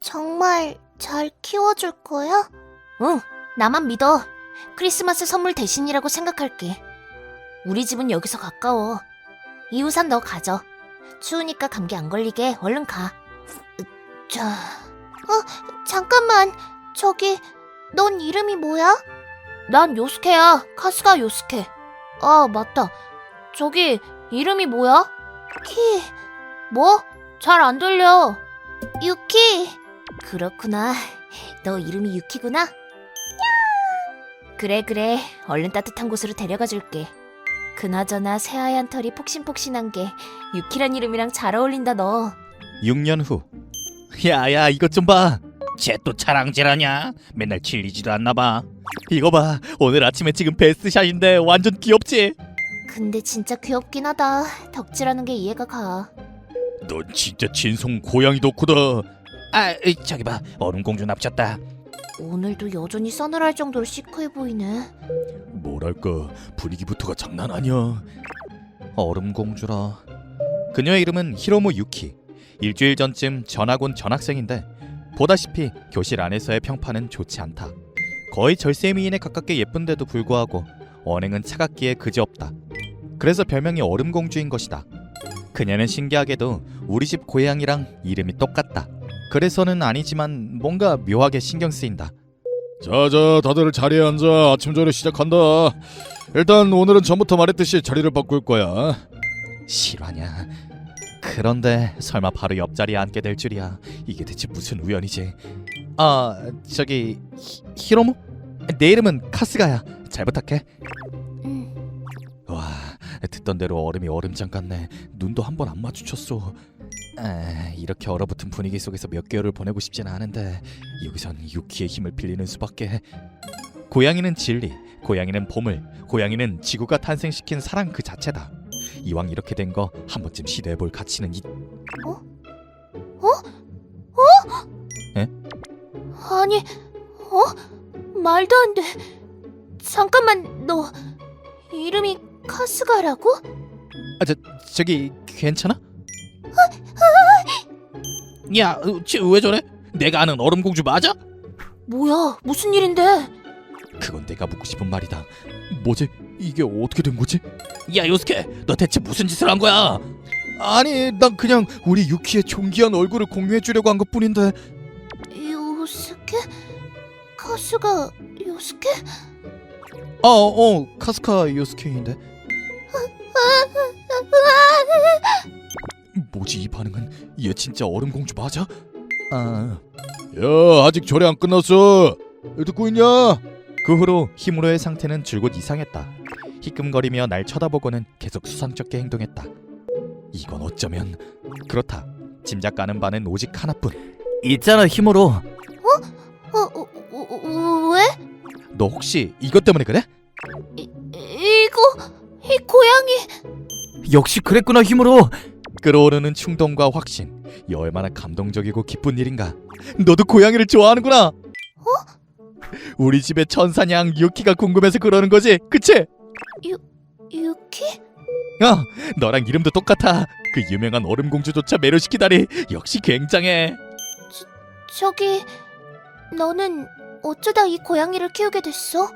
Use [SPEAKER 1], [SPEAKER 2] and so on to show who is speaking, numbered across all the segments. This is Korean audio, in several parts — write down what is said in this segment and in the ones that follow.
[SPEAKER 1] 정말 잘 키워줄 거야?
[SPEAKER 2] 응, 나만 믿어. 크리스마스 선물 대신이라고 생각할게. 우리 집은 여기서 가까워. 이 우산 너 가져. 추우니까 감기 안 걸리게 얼른 가. 자,
[SPEAKER 1] 잠깐만, 저기, 넌 이름이 뭐야?
[SPEAKER 2] 난 요스케야. 카스가 요스케. 아, 맞다. 저기 이름이 뭐야?
[SPEAKER 1] 키,
[SPEAKER 2] 뭐? 잘 안 들려.
[SPEAKER 1] 유키.
[SPEAKER 2] 그렇구나. 너 이름이 유키구나? 그래. 얼른 따뜻한 곳으로 데려가 줄게. 그나저나 새하얀 털이 폭신폭신한 게 유키란 이름이랑 잘 어울린다 너.
[SPEAKER 3] 6년 후. 야야, 이것 좀 봐. 쟤 또 자랑질하냐? 맨날 질리지도 않나 봐. 이거 봐. 오늘 아침에 찍은 베스트샷인데 완전 귀엽지?
[SPEAKER 2] 근데 진짜 귀엽긴 하다. 덕질하는 게 이해가 가.
[SPEAKER 3] 넌 진짜 진성 고양이 덕후다. 저기 봐. 얼음공주 납쳤다.
[SPEAKER 2] 오늘도 여전히 서늘할 정도로 시크해 보이네.
[SPEAKER 3] 뭐랄까, 분위기부터가 장난 아니야. 얼음공주라. 그녀의 이름은 히로무 유키. 일주일 전쯤 전학 온 전학생인데 보다시피 교실 안에서의 평판은 좋지 않다. 거의 절세미인에 가깝게 예쁜데도 불구하고 언행은 차갑기에 그지없다. 그래서 별명이 얼음공주인 것이다. 그녀는 신기하게도 우리 집 고양이랑 이름이 똑같다. 그래서는 아니지만 뭔가 묘하게 신경 쓰인다.
[SPEAKER 4] 자자, 다들 자리에 앉아. 아침 전에 시작한다. 일단 오늘은 전부터 말했듯이 자리를 바꿀 거야.
[SPEAKER 3] 실화냐? 그런데 설마 바로 옆자리에 앉게 될 줄이야. 이게 대체 무슨 우연이지? 저기 히로무? 내 이름은 카스가야. 잘 부탁해. 와, 듣던 대로 얼음이 얼음장 같네. 눈도 한 번 안 마주쳤어. 이렇게 얼어붙은 분위기 속에서 몇 개월을 보내고 싶진 않은데 여기선 유키의 힘을 빌리는 수밖에. 고양이는 진리, 고양이는 보물, 고양이는 지구가 탄생시킨 사랑 그 자체다. 이왕 이렇게 된 거 한 번쯤 시도해볼 가치는
[SPEAKER 2] 아니, 말도 안 돼. 잠깐만, 너 이름이 카스가라고?
[SPEAKER 3] 저기 괜찮아? 야, 쟤 왜 저래? 내가 아는 얼음공주 맞아?
[SPEAKER 2] 뭐야, 무슨 일인데?
[SPEAKER 3] 그건 내가 묻고 싶은 말이다. 뭐지? 이게 어떻게 된 거지? 야, 요스케, 너 대체 무슨 짓을 한 거야? 아니, 난 그냥 우리 유키의 존귀한 얼굴을 공유해주려고 한 것뿐인데.
[SPEAKER 1] 요스케? 카스가 요스케?
[SPEAKER 3] 카스카 요스케인데. 뭐지 이 반응은? 얘 진짜 얼음공주 맞아?
[SPEAKER 4] 야, 아직 절이 안 끝났어. 듣고 있냐?
[SPEAKER 3] 그 후로 히무로의 상태는 줄곧 이상했다. 희끔거리며 날 쳐다보고는 계속 수상쩍게 행동했다. 이건 어쩌면 그렇다. 짐작 가는 바는 오직 하나뿐. 있잖아, 히무로.
[SPEAKER 1] 왜?
[SPEAKER 3] 너 혹시 이것 때문에 그래?
[SPEAKER 1] 이 고양이.
[SPEAKER 3] 역시 그랬구나, 히무로. 끌어오르는 충동과 확신. 이 얼마나 감동적이고 기쁜 일인가. 너도 고양이를 좋아하는구나. 우리 집의 천사냥 유키가 궁금해서 그러는 거지, 그치?
[SPEAKER 1] 유키?
[SPEAKER 3] 너랑 이름도 똑같아. 그 유명한 얼음공주조차 매료시키다니 역시 굉장해.
[SPEAKER 1] 저기, 너는 어쩌다 이 고양이를 키우게 됐어?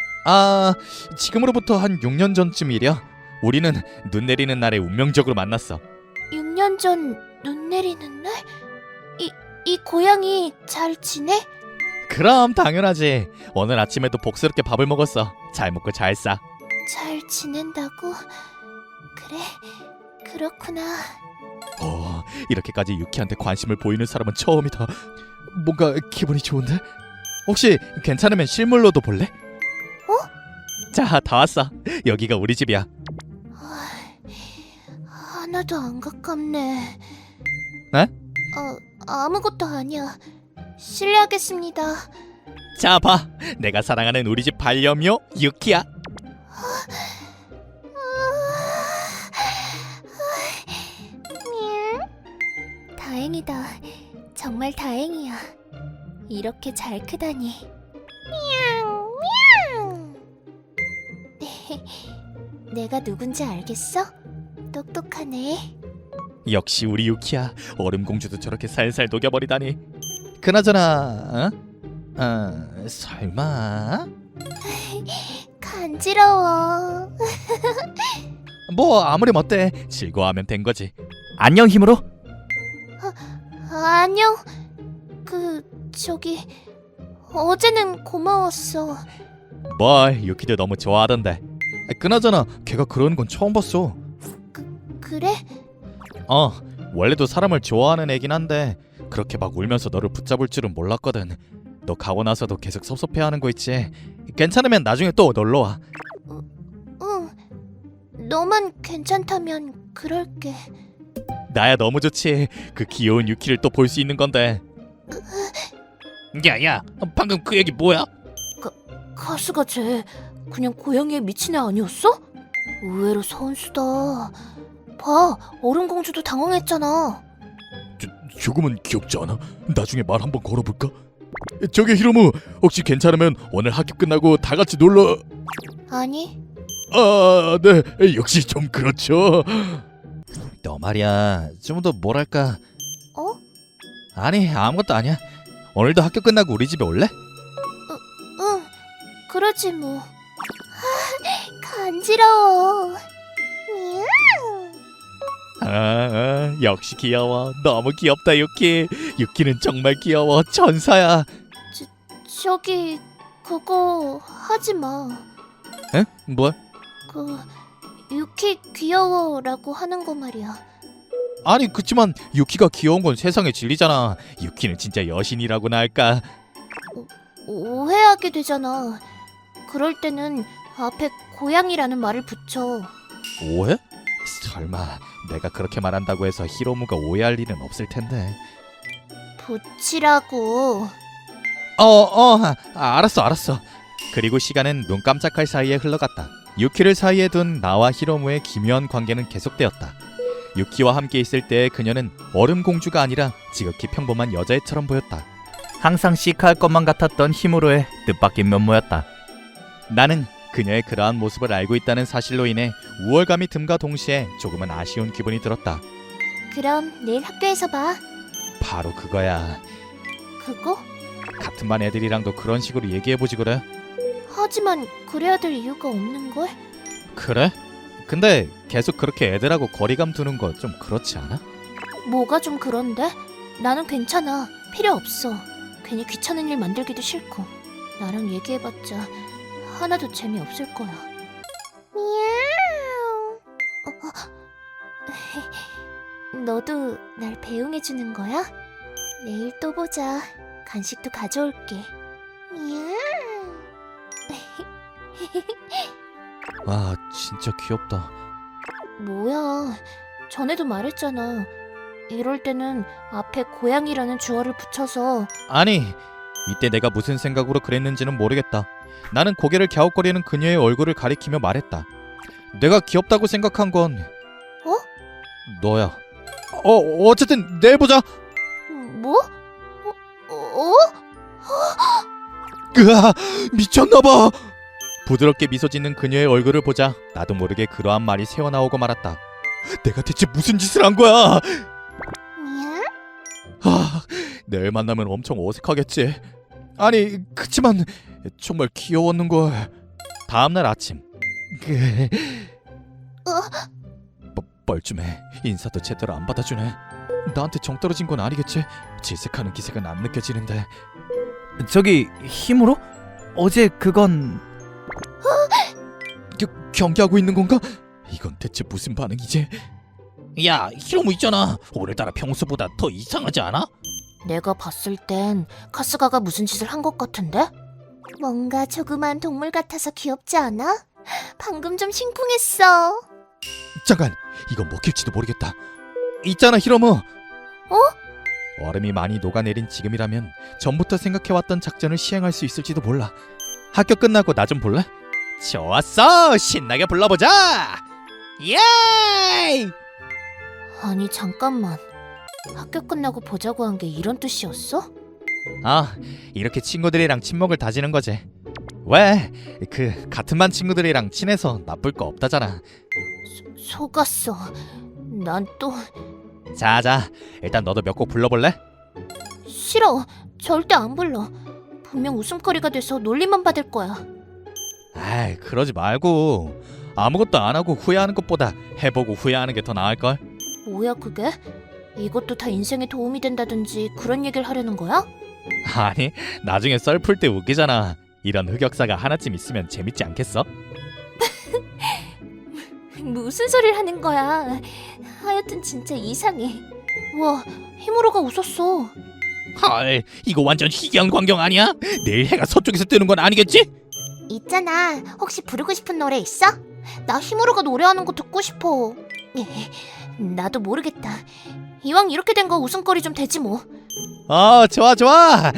[SPEAKER 3] 지금으로부터 한 6년 전쯤이랴. 우리는 눈 내리는 날에 운명적으로 만났어.
[SPEAKER 1] 6년 전 눈 내리는 날? 이 고양이 잘 지내?
[SPEAKER 3] 그럼 당연하지. 오늘 아침에도 복스럽게 밥을 먹었어. 잘 먹고 잘 싸.
[SPEAKER 1] 잘 지낸다고? 그래, 그렇구나.
[SPEAKER 3] 이렇게까지 유키한테 관심을 보이는 사람은 처음이다. 뭔가 기분이 좋은데? 혹시 괜찮으면 실물로도 볼래? 자, 다 왔어. 여기가 우리 집이야.
[SPEAKER 1] 하나도 안 가깝네.
[SPEAKER 3] 네?
[SPEAKER 1] 아무것도 아니야. 실례하겠습니다.
[SPEAKER 3] 자, 봐. 내가 사랑하는 우리 집 반려묘 유키야.
[SPEAKER 1] 다행이다. 정말 다행이야. 이렇게 잘 크다니. 내가 누군지 알겠어? 똑똑하네.
[SPEAKER 3] 역시 우리 유키야. 얼음공주도 저렇게 살살 녹여버리다니. 그나저나 설마
[SPEAKER 1] 간지러워.
[SPEAKER 3] 뭐 아무리 어때 즐거워하면 된 거지. 안녕 힘으로.
[SPEAKER 1] 안녕. 저기 어제는 고마웠어.
[SPEAKER 3] 뭘 유키도 너무 좋아하던데. 그나저나 걔가 그러는 건 처음 봤어.
[SPEAKER 1] 그래?
[SPEAKER 3] 원래도 사람을 좋아하는 애긴 한데 그렇게 막 울면서 너를 붙잡을 줄은 몰랐거든. 너 가고 나서도 계속 섭섭해하는 거 있지. 괜찮으면 나중에 또 놀러와.
[SPEAKER 1] 응. 너만 괜찮다면 그럴게.
[SPEAKER 3] 나야 너무 좋지. 그 귀여운 유키를 또 볼 수 있는 건데. 야야, 방금 그 얘기 뭐야?
[SPEAKER 1] 가스가 쟤 그냥 고양이에 미친 애 아니었어? 의외로 선수다. 봐, 얼음공주도 당황했잖아.
[SPEAKER 4] 조금은 귀엽지 않아? 나중에 말 한번 걸어볼까? 저기 히로무, 혹시 괜찮으면 오늘 학교 끝나고 다 같이 놀러...
[SPEAKER 1] 아니,
[SPEAKER 4] 네, 역시 좀 그렇죠.
[SPEAKER 3] 너 말이야 좀 더 뭐랄까.
[SPEAKER 1] 어?
[SPEAKER 3] 아니 아무것도 아니야. 오늘도 학교 끝나고 우리 집에 올래?
[SPEAKER 1] 응, 그러지 뭐. 간지러워.
[SPEAKER 3] 역시 귀여워. 너무 귀엽다 유키. 유키는 정말 귀여워. 천사야.
[SPEAKER 1] 저기 그거 하지 마.
[SPEAKER 3] 에? 뭘?
[SPEAKER 1] 유키 귀여워라고 하는 거 말이야.
[SPEAKER 3] 아니 그치만 유키가 귀여운 건 세상의 진리잖아. 유키는 진짜 여신이라고나 할까.
[SPEAKER 1] 오해하게 되잖아. 그럴 때는 앞에 고양이라는 말을 붙여.
[SPEAKER 3] 오해? 설마 내가 그렇게 말한다고 해서 히로무가 오해할 일은 없을 텐데.
[SPEAKER 1] 붙이라고.
[SPEAKER 3] 알았어. 그리고 시간은 눈 깜짝할 사이에 흘러갔다. 유키를 사이에 둔 나와 히로무의 기묘한 관계는 계속되었다. 유키와 함께 있을 때 그녀는 얼음공주가 아니라 지극히 평범한 여자애처럼 보였다. 항상 시크할 것만 같았던 히무로의 뜻밖인 면모였다. 나는 그녀의 그러한 모습을 알고 있다는 사실로 인해 우월감이 듦과 동시에 조금은 아쉬운 기분이 들었다.
[SPEAKER 1] 그럼 내일 학교에서 봐.
[SPEAKER 3] 바로 그거야.
[SPEAKER 1] 그거?
[SPEAKER 3] 같은 반 애들이랑도 그런 식으로 얘기해보지 그래?
[SPEAKER 1] 하지만 그래야 될 이유가 없는걸?
[SPEAKER 3] 그래? 근데 계속 그렇게 애들하고 거리감 두는 거 좀 그렇지 않아?
[SPEAKER 1] 뭐가 좀 그런데? 나는 괜찮아. 필요 없어. 괜히 귀찮은 일 만들기도 싫고. 나랑 얘기해봤자 하나도 재미없을 거야. 미야옹. 너도 날 배웅해주는 거야? 내일 또 보자. 간식도 가져올게. 미야옹.
[SPEAKER 3] 와 진짜 귀엽다.
[SPEAKER 1] 뭐야. 전에도 말했잖아. 이럴 때는 앞에 고양이라는 주어를 붙여서.
[SPEAKER 3] 아니 이때 내가 무슨 생각으로 그랬는지는 모르겠다. 나는 고개를 갸웃거리는 그녀의 얼굴을 가리키며 말했다. 내가 귀엽다고 생각한 건 너야. 어쨌든 내일 보자.
[SPEAKER 1] 뭐?
[SPEAKER 3] 으아 미쳤나봐. 부드럽게 미소 짓는 그녀의 얼굴을 보자 나도 모르게 그러한 말이 새어나오고 말았다. 내가 대체 무슨 짓을 한 거야?
[SPEAKER 1] 미야?
[SPEAKER 3] 내일 만나면 엄청 어색하겠지. 아니 그치만 정말 귀여웠는걸. 다음날 아침 뻘쭘해. 인사도 제대로 안 받아주네. 나한테 정 떨어진 건 아니겠지? 질색하는 기색은 안 느껴지는데. 저기 힘으로? 어제 그건 경계하고 있는 건가? 이건 대체 무슨 반응이지? 야 히로무 있잖아. 오늘따라 평소보다 더 이상하지 않아?
[SPEAKER 1] 내가 봤을 땐 카스가가 무슨 짓을 한 것 같은데? 뭔가 조그만 동물 같아서 귀엽지 않아? 방금 좀 심쿵했어.
[SPEAKER 3] 잠깐 이건 먹힐지도 모르겠다. 있잖아 히로무. 얼음이 많이 녹아내린 지금이라면 전부터 생각해왔던 작전을 시행할 수 있을지도 몰라. 학교 끝나고 나 좀 볼래? 좋았어. 신나게 불러보자. 예이.
[SPEAKER 1] 아니 잠깐만. 학교 끝나고 보자고 한 게 이런 뜻이었어?
[SPEAKER 3] 이렇게 친구들이랑 친목을 다지는 거지. 왜? 그 같은 반 친구들이랑 친해서 나쁠 거 없다잖아.
[SPEAKER 1] 속았어. 난 또
[SPEAKER 3] 자자 일단 너도 몇 곡 불러볼래?
[SPEAKER 1] 싫어. 절대 안 불러. 분명 웃음거리가 돼서 놀림만 받을 거야.
[SPEAKER 3] 아이, 그러지 말고 아무것도 안 하고 후회하는 것보다 해보고 후회하는 게 더 나을걸?
[SPEAKER 1] 뭐야 그게? 이것도 다 인생에 도움이 된다든지 그런 얘기를 하려는 거야?
[SPEAKER 3] 아니, 나중에 썰 풀 때 웃기잖아. 이런 흑역사가 하나쯤 있으면 재밌지 않겠어?
[SPEAKER 1] 무슨 소리를 하는 거야? 하여튼 진짜 이상해. 와, 히무로가 웃었어.
[SPEAKER 3] 헐, 이거 완전 희귀한 광경 아니야? 내일 해가 서쪽에서 뜨는 건 아니겠지?
[SPEAKER 2] 있잖아. 혹시 부르고 싶은 노래 있어? 나 히무로가 노래하는 거 듣고 싶어.
[SPEAKER 1] 나도 모르겠다. 이왕 이렇게 된 거 웃음거리 좀 되지 뭐.
[SPEAKER 3] 좋아 좋아.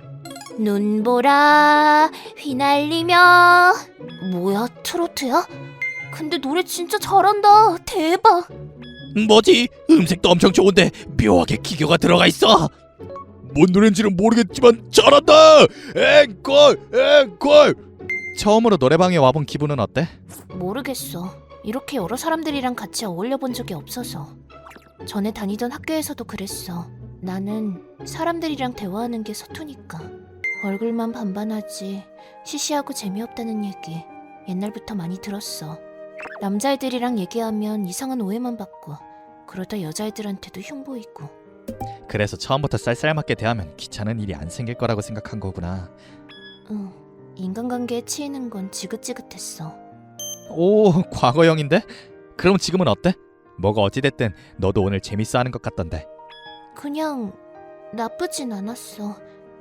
[SPEAKER 1] 눈보라 휘날리며. 뭐야, 트로트야? 근데 노래 진짜 잘한다. 대박.
[SPEAKER 3] 뭐지? 음색도 엄청 좋은데 묘하게 기교가 들어가 있어.
[SPEAKER 4] 뭔 노래인지는 모르겠지만 잘한다. 앵콜 앵콜.
[SPEAKER 3] 처음으로 노래방에 와본 기분은 어때?
[SPEAKER 1] 모르겠어. 이렇게 여러 사람들이랑 같이 어울려 본 적이 없어서. 전에 다니던 학교에서도 그랬어. 나는 사람들이랑 대화하는 게 서투니까. 얼굴만 반반하지 시시하고 재미없다는 얘기 옛날부터 많이 들었어. 남자애들이랑 얘기하면 이상한 오해만 받고, 그러다 여자애들한테도 흉보이고.
[SPEAKER 3] 그래서 처음부터 쌀쌀맞게 대하면 귀찮은 일이 안 생길 거라고 생각한 거구나.
[SPEAKER 1] 응, 인간관계에 치이는 건 지긋지긋했어.
[SPEAKER 3] 오, 과거형인데? 그럼 지금은 어때? 뭐가 어찌됐든 너도 오늘 재밌어 하는 것 같던데.
[SPEAKER 1] 그냥 나쁘진 않았어.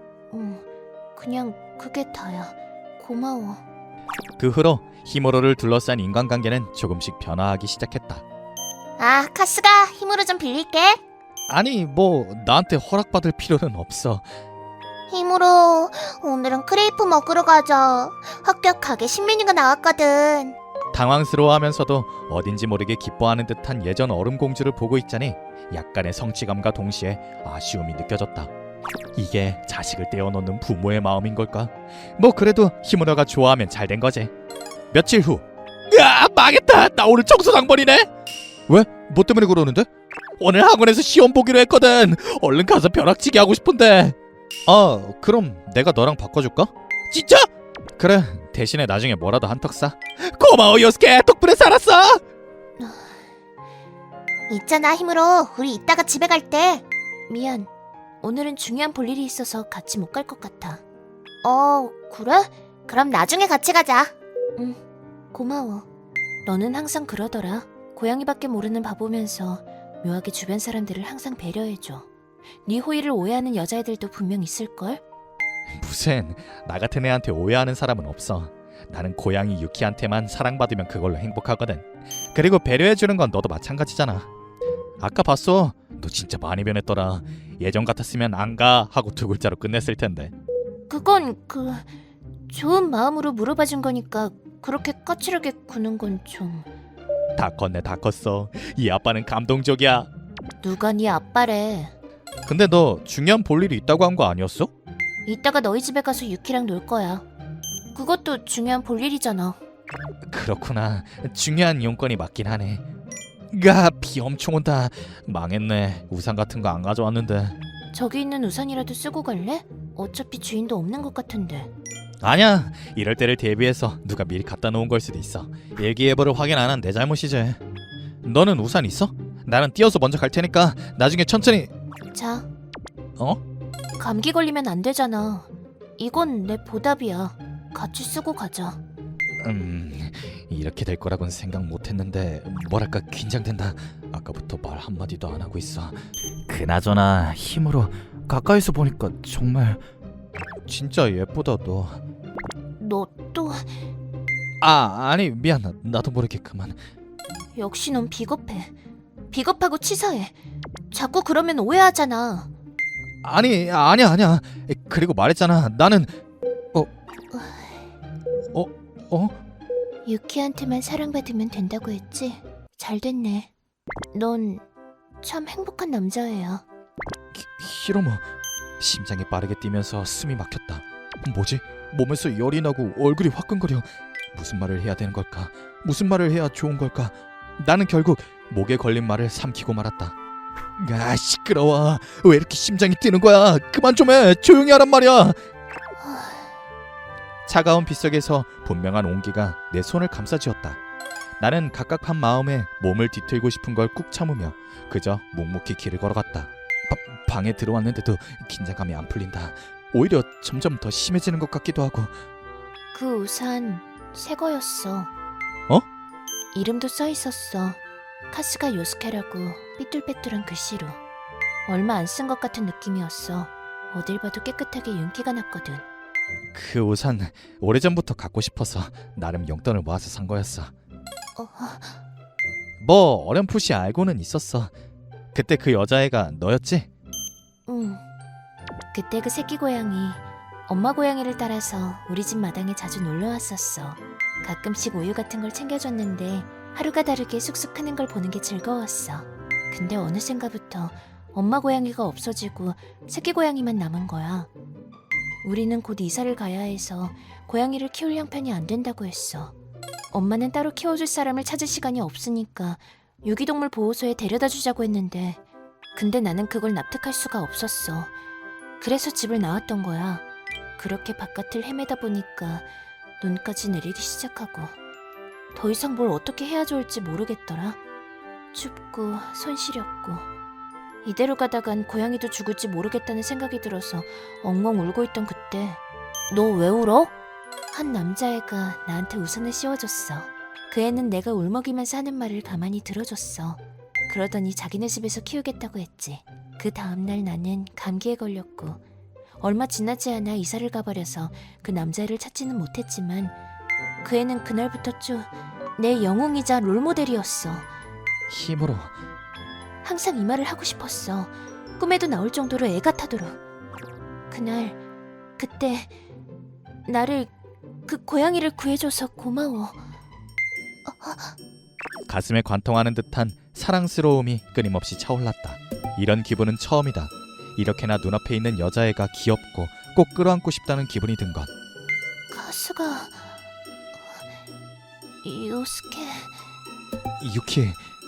[SPEAKER 1] 그냥 그게 다야. 고마워.
[SPEAKER 3] 그 후로 히무로를 둘러싼 인간관계는 조금씩 변화하기 시작했다.
[SPEAKER 2] 아, 카스가 히무로 좀 빌릴게.
[SPEAKER 3] 아니, 뭐 나한테 허락받을 필요는 없어.
[SPEAKER 2] 히무로, 오늘은 크레이프 먹으러 가자. 학교 가게 신메뉴가 나왔거든.
[SPEAKER 3] 당황스러워하면서도 어딘지 모르게 기뻐하는 듯한 예전 얼음공주를 보고 있자니 약간의 성취감과 동시에 아쉬움이 느껴졌다. 이게 자식을 떼어놓는 부모의 마음인 걸까? 뭐 그래도 히무로가 좋아하면 잘 된 거지. 며칠 후. 야, 망했다. 나 오늘 청소당번이네. 왜? 뭐 때문에 그러는데? 오늘 학원에서 시험 보기로 했거든. 얼른 가서 벼락치기 하고 싶은데. 그럼 내가 너랑 바꿔줄까? 진짜? 그래, 대신에 나중에 뭐라도 한턱 쏴. 고마워 요스케, 덕분에 살았어.
[SPEAKER 2] 있잖아, 히무로. 우리 이따가 집에 갈 때.
[SPEAKER 1] 미안. 오늘은 중요한 볼일이 있어서 같이 못 갈 것 같아.
[SPEAKER 2] 그래? 그럼 나중에 같이 가자.
[SPEAKER 1] 고마워. 너는 항상 그러더라. 고양이밖에 모르는 바보면서 묘하게 주변 사람들을 항상 배려해줘. 네 호의를 오해하는 여자애들도 분명 있을걸?
[SPEAKER 3] 무슨, 나 같은 애한테 오해하는 사람은 없어. 나는 고양이 유키한테만 사랑받으면 그걸로 행복하거든. 그리고 배려해주는 건 너도 마찬가지잖아. 아까 봤어. 너 진짜 많이 변했더라. 예전 같았으면 안 가 하고 두 글자로 끝냈을 텐데.
[SPEAKER 1] 그건 좋은 마음으로 물어봐준 거니까 그렇게 까칠하게 구는 건 좀...
[SPEAKER 3] 다 컸네, 다 컸어. 이 아빠는 감동적이야.
[SPEAKER 1] 누가 네 아빠래.
[SPEAKER 3] 근데 너 중요한 볼일이 있다고 한 거 아니었어?
[SPEAKER 1] 이따가 너희 집에 가서 유키랑 놀 거야. 그것도 중요한 볼일이잖아.
[SPEAKER 3] 그렇구나. 중요한 용건이 맞긴 하네. 야, 비 엄청 온다. 망했네. 우산 같은 거 안 가져왔는데.
[SPEAKER 1] 저기 있는 우산이라도 쓰고 갈래? 어차피 주인도 없는 것 같은데.
[SPEAKER 3] 아니야. 이럴 때를 대비해서 누가 미리 갖다 놓은 걸 수도 있어. 일기예보를 확인 안 한 내 잘못이지. 너는 우산 있어? 나는 뛰어서 먼저 갈 테니까 나중에 천천히.
[SPEAKER 1] 자.
[SPEAKER 3] 어?
[SPEAKER 1] 감기 걸리면 안 되잖아. 이건 내 보답이야. 같이 쓰고 가자.
[SPEAKER 3] 이렇게 될 거라고는 생각 못했는데 뭐랄까 긴장된다. 아까부터 말 한마디도 안 하고 있어. 그나저나 힘으로 가까이서 보니까 정말 진짜 예쁘다 너.
[SPEAKER 1] 너 또...
[SPEAKER 3] 아니 미안. 나도 모르게 그만.
[SPEAKER 1] 역시 넌 비겁해. 비겁하고 치사해. 자꾸 그러면 오해하잖아.
[SPEAKER 3] 아니야. 그리고 말했잖아. 나는
[SPEAKER 1] 유키한테만 사랑받으면 된다고 했지? 잘 됐네. 넌 참 행복한 남자애야.
[SPEAKER 3] 히로모. 심장이 빠르게 뛰면서 숨이 막혔다. 뭐지? 몸에서 열이 나고 얼굴이 화끈거려. 무슨 말을 해야 되는 걸까? 무슨 말을 해야 좋은 걸까? 나는 결국 목에 걸린 말을 삼키고 말았다.
[SPEAKER 4] 아 시끄러워. 왜 이렇게 심장이 뛰는 거야? 그만 좀 해. 조용히 하란 말이야.
[SPEAKER 3] 차가운 빗속에서 분명한 온기가 내 손을 감싸쥐었다. 나는 갑갑한 마음에 몸을 뒤틀고 싶은 걸 꾹 참으며 그저 묵묵히 길을 걸어갔다.
[SPEAKER 4] 방에 들어왔는데도 긴장감이 안 풀린다. 오히려 점점 더 심해지는 것 같기도 하고.
[SPEAKER 1] 그 우산 새 거였어.
[SPEAKER 3] 어?
[SPEAKER 1] 이름도 써 있었어. 카스가 요스케라고 삐뚤빼뚤한 글씨로. 얼마 안 쓴 것 같은 느낌이었어. 어딜 봐도 깨끗하게 윤기가 났거든.
[SPEAKER 3] 그 우산 오래전부터 갖고 싶어서 나름 용돈을 모아서 산 거였어. 뭐 어렴풋이 알고는 있었어. 그때 그 여자애가 너였지?
[SPEAKER 1] 응. 그때 그 새끼 고양이, 엄마 고양이를 따라서 우리 집 마당에 자주 놀러 왔었어. 가끔씩 우유 같은 걸 챙겨줬는데 하루가 다르게 쑥쑥 크는 걸 보는 게 즐거웠어. 근데 어느샌가부터 엄마 고양이가 없어지고 새끼 고양이만 남은 거야. 우리는 곧 이사를 가야 해서 고양이를 키울 형편이 안 된다고 했어. 엄마는 따로 키워줄 사람을 찾을 시간이 없으니까 유기동물 보호소에 데려다 주자고 했는데 근데 나는 그걸 납득할 수가 없었어. 그래서 집을 나왔던 거야. 그렇게 바깥을 헤매다 보니까 눈까지 내리기 시작하고 더 이상 뭘 어떻게 해야 좋을지 모르겠더라. 춥고 손 시렸고 이대로 가다간 고양이도 죽을지 모르겠다는 생각이 들어서 엉엉 울고 있던 그때 너 왜 울어? 한 남자애가 나한테 우산을 씌워줬어. 그 애는 내가 울먹이면서 하는 말을 가만히 들어줬어. 그러더니 자기네 집에서 키우겠다고 했지. 그 다음날 나는 감기에 걸렸고 얼마 지나지 않아 이사를 가버려서 그 남자애를 찾지는 못했지만 그 애는 그날부터 쭉 내 영웅이자 롤모델이었어.
[SPEAKER 3] 힘으로.
[SPEAKER 1] 항상 이 말을 하고 싶었어. 꿈에도 나올 정도로 애 같아도록. 그때 나를 그 고양이를 구해줘서 고마워.
[SPEAKER 3] 가슴에 관통하는 듯한 사랑스러움이 끊임없이 차올랐다. 이런 기분은 처음이다. 이렇게나 눈앞에 있는 여자애가 귀엽고 꼭 끌어안고 싶다는 기분이 든 것.
[SPEAKER 1] 카스가 요스케.
[SPEAKER 3] 유키.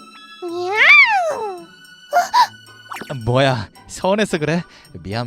[SPEAKER 1] 미야옹.
[SPEAKER 3] 뭐야, 서운해서 그래? 미안.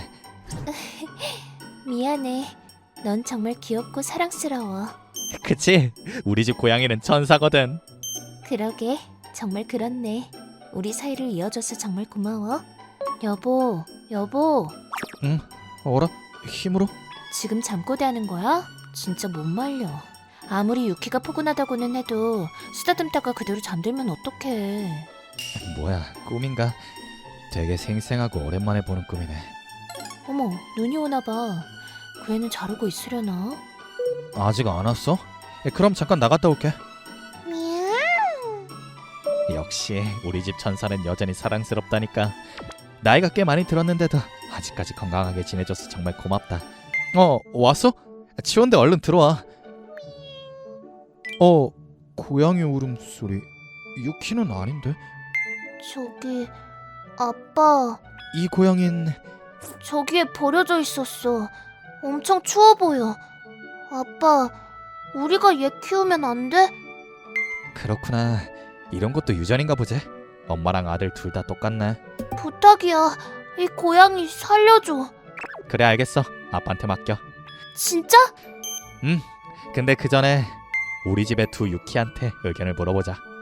[SPEAKER 1] 미안해. 넌 정말 귀엽고 사랑스러워.
[SPEAKER 3] 그치? 우리 집 고양이는 천사거든.
[SPEAKER 1] 그러게, 정말 그렇네. 우리 사이를 이어줘서 정말 고마워. 여보.
[SPEAKER 3] 응? 어라? 힘으로?
[SPEAKER 1] 지금 잠꼬대 하는 거야? 진짜 못 말려. 아무리 유키가 포근하다고는 해도 쓰다듬다가 그대로 잠들면 어떡해.
[SPEAKER 3] 뭐야, 꿈인가? 되게 생생하고 오랜만에 보는 꿈이네.
[SPEAKER 1] 어머, 눈이 오나 봐. 그 애는 자르고 있으려나?
[SPEAKER 3] 아직 안 왔어? 그럼 잠깐 나갔다 올게.
[SPEAKER 1] 미야옹.
[SPEAKER 3] 역시 우리 집 천사는 여전히 사랑스럽다니까. 나이가 꽤 많이 들었는데도 아직까지 건강하게 지내줘서 정말 고맙다. 왔어? 치운데 얼른 들어와. 고양이 울음소리. 유키는 아닌데?
[SPEAKER 1] 저기, 아빠.
[SPEAKER 3] 이 고양이는...
[SPEAKER 1] 저기에 버려져 있었어. 엄청 추워 보여. 아빠, 우리가 얘 키우면 안 돼?
[SPEAKER 3] 그렇구나. 이런 것도 유전인가 보지? 엄마랑 아들 둘 다 똑같네.
[SPEAKER 1] 부탁이야. 이 고양이 살려줘.
[SPEAKER 3] 그래, 알겠어. 아빠한테 맡겨.
[SPEAKER 1] 진짜?
[SPEAKER 3] 근데 그 전에 우리 집의 두 유키한테 의견을 물어보자.